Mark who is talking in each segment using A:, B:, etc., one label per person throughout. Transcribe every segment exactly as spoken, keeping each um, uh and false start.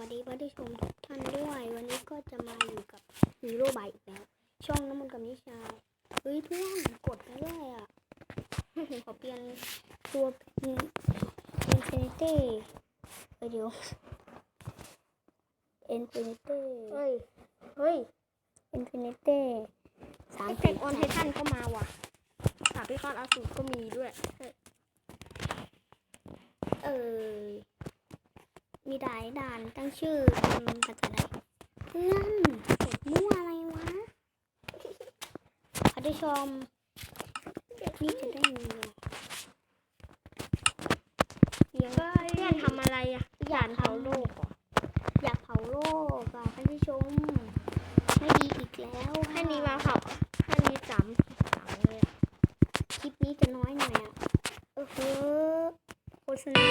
A: วัสดีผู้ชมทุกท่านด้วยวันนี้ก็จะมาอยู่กับฮีโร่บายอีกแล้วช่องน้ำมันกับนิชาเฮ้ยเพื่อนกดไปด้วยอ่ะ ขอเปลี่ยนตัวเป็นอินฟินิตี้เดี๋ยวอินฟินิตี้
B: เฮ้ย เฮ้ย
A: อินฟินิตี้สาม
B: แตกออนไททันก็มาว่ะสาพิฆาตอสูรก็มีด้วย
A: เออมีหลายด่านตั้งชื่อเป็นภาษาไทยเพื่อนกดมั่วอะไรวะผู้ชมนี่จะได้เงิน
B: เลี้ยงเพื่อนทำอะไรอ่ะอยากเผาโลกเหรอ
A: อยากเผาโลกอ่ะท่านผู้ชมไม่ดีอีกแล้ว
B: ให้นี้มาเผาให้นี้สามสามเลยอะ
A: คลิปนี้จะน้อยหน่อยอ่ะเออเฮ้อโฆษณา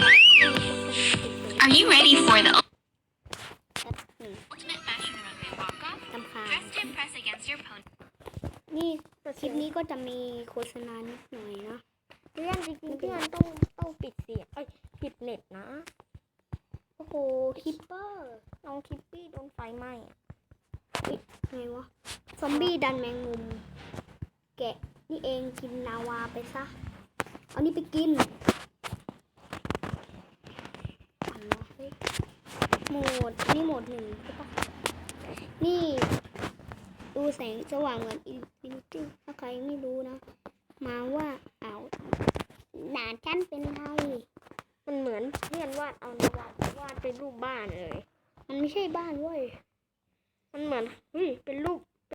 C: Are you ready for the
A: แป๊บหนึ่ง
C: ultimate fashion runway walk-off?
A: ตำคาญ
C: Press to impress against your opponent.
A: นี่คลิปนี้ก็จะมีโฆษณานิดหน่อยนะ
B: เพื่อนจริงๆเพื่อนต้องต้องปิดเสียงเอ้ยปิดเน็ตนะ
A: โอ้โหคิปเปอร์
B: น้องคิปปี้โดนไฟไหม้อะ
A: ไงวะซอมบี้ดันแมงมุมแกะนี่เองกินลาวาไปซะเอานี่ไปกินอันวะเฮ้ยโหมดนี่โหมดหนึ่งใช่ปะนี่ดูแสงสว่างเหมือนอินฟินิตี้ถ้าใครไม่รู้นะ มาว่าเอาด่านฉันเป็นไร
B: มันเหมือนเพื่อนวาดเอาในวาดวาดเป็นรูปบ้านเลย
A: มันไม่ใช่บ้านเว้ย
B: มันเหมือนเฮ้ยเป็นรูป